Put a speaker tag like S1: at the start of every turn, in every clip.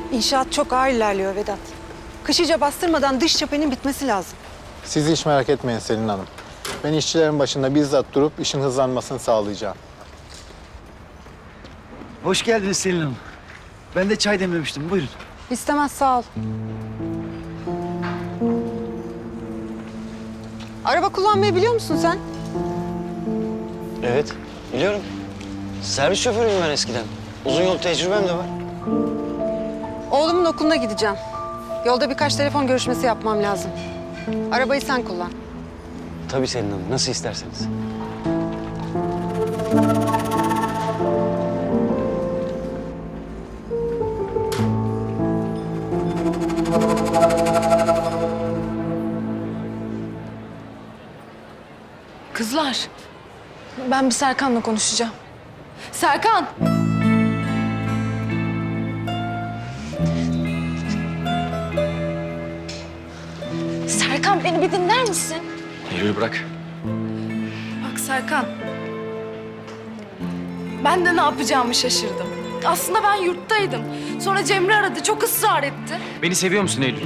S1: İnşaat çok ağır ilerliyor Vedat. Kış iyice bastırmadan dış cephenin bitmesi lazım.
S2: Siz hiç merak etmeyin Selin Hanım. Ben işçilerin başında bizzat durup işin hızlanmasını sağlayacağım.
S3: Hoş geldiniz Selin Hanım. Ben de çay demlemiştim. Buyurun.
S1: İstemez, sağ ol. Araba kullanmayı biliyor musun sen?
S4: Evet, biliyorum. Servis şoförüyüm ben eskiden. Uzun yol tecrübem de var.
S1: Oğlumun okuluna gideceğim. Yolda birkaç telefon görüşmesi yapmam lazım. Arabayı sen kullan.
S4: Tabii Selin Hanım, nasıl isterseniz.
S5: Kızlar, ben bir Serkan'la konuşacağım. Serkan! Serkan, beni bir dinler misin?
S6: Eylül bırak.
S5: Bak Serkan, ben de ne yapacağımı şaşırdım. Aslında ben yurttaydım. Sonra Cemre aradı, çok ısrar etti.
S6: Beni seviyor musun Eylül?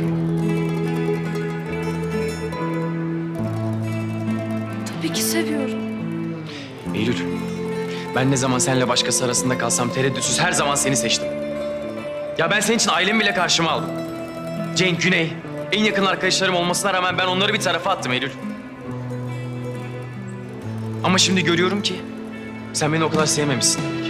S5: Tabii ki seviyorum.
S6: Eylül, ben ne zaman seninle başkası arasında kalsam tereddütsüz her zaman seni seçtim. Ya ben senin için ailemi bile karşıma aldım. Cenk, Güney, en yakın arkadaşlarım olmasına rağmen ben onları bir tarafa attım Eylül. Ama şimdi görüyorum ki sen beni o kadar sevmemişsin demek.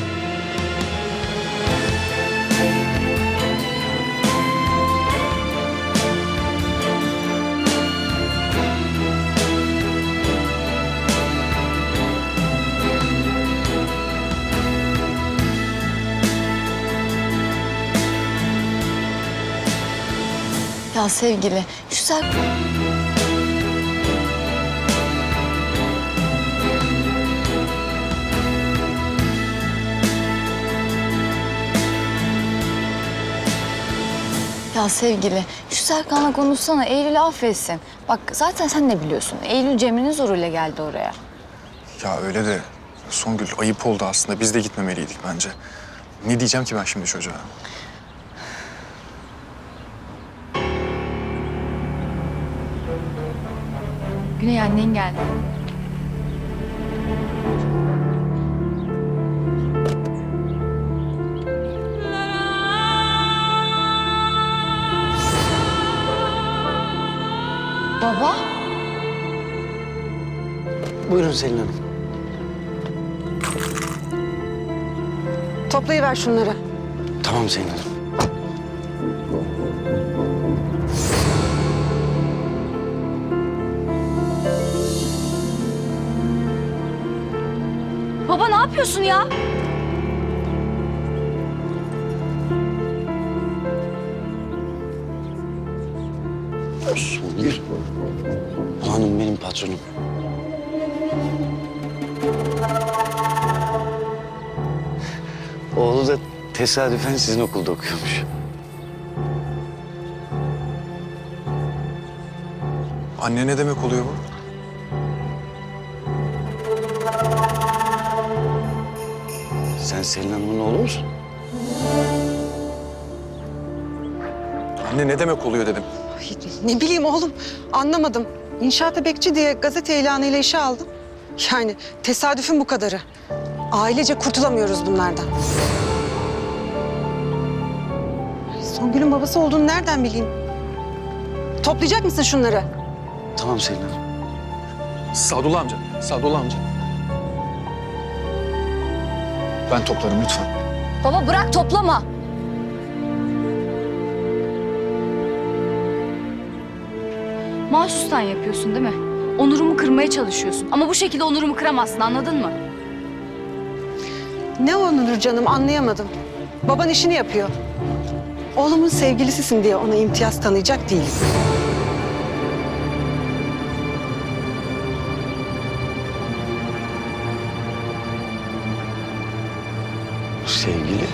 S7: Ya sevgili, şu Ya sevgili, şu Serkan'la konuşsana, Eylül'ü affetsin. Bak zaten sen de biliyorsun, Eylül Cemre'nin zoruyla geldi oraya.
S8: Ya öyle de Songül ayıp oldu aslında. Biz de gitmemeliydik bence. Ne diyeceğim ki ben şimdi çocuğa?
S7: Güney annen geldi. Baba?
S4: Buyurun Selin Hanım.
S1: Toplayıver şunları.
S4: Tamam Selin Hanım.
S7: Baba ne yapıyorsun ya?
S4: Songül. Bu hanım benim patronum. Oğlu da tesadüfen sizin okulda okuyormuş.
S8: Anne ne demek oluyor bu?
S4: Sen Selin Hanım'ın oğlu musun?
S8: Anne ne demek oluyor dedim.
S1: Ay, ne bileyim oğlum, anlamadım. İnşaata bekçi diye gazete ilanıyla işe aldım. Yani tesadüfün bu kadarı. Ailece kurtulamıyoruz bunlardan. Ay, Songül'ün babası olduğunu nereden bileyim? Toplayacak mısın şunları?
S4: Tamam Selin Hanım.
S8: Sadullah amca, Sadullah amca. Ben toplarım lütfen.
S7: Baba bırak toplama. Mahsustan yapıyorsun değil mi? Onurumu kırmaya çalışıyorsun. Ama bu şekilde onurumu kıramazsın, anladın mı?
S1: Ne onur canım, anlayamadım. Baban işini yapıyor. Oğlumun sevgilisisin diye ona imtiyaz tanıyacak değilim.
S4: Sevgili.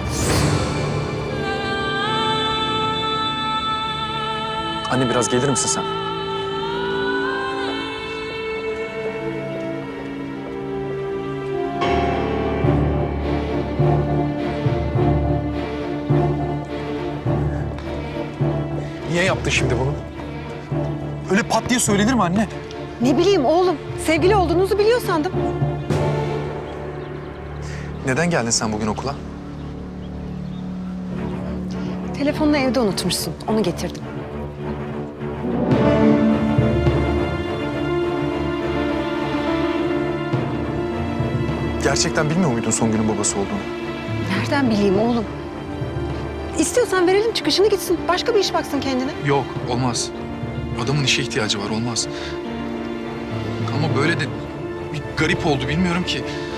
S8: Anne biraz gelir misin sen? Niye yaptın şimdi bunu? Öyle pat diye söylenir mi anne?
S1: Ne bileyim oğlum, sevgili olduğunuzu biliyor sandım.
S8: Neden geldin sen bugün okula?
S1: Telefonunu evde unutmuşsun, onu getirdim.
S8: Gerçekten bilmiyor muydun Songül'ün babası olduğunu?
S1: Nereden bileyim oğlum? İstiyorsan verelim çıkışını gitsin, başka bir iş baksın kendine.
S8: Yok, olmaz. Adamın işe ihtiyacı var, olmaz. Ama böyle de bir garip oldu, bilmiyorum ki.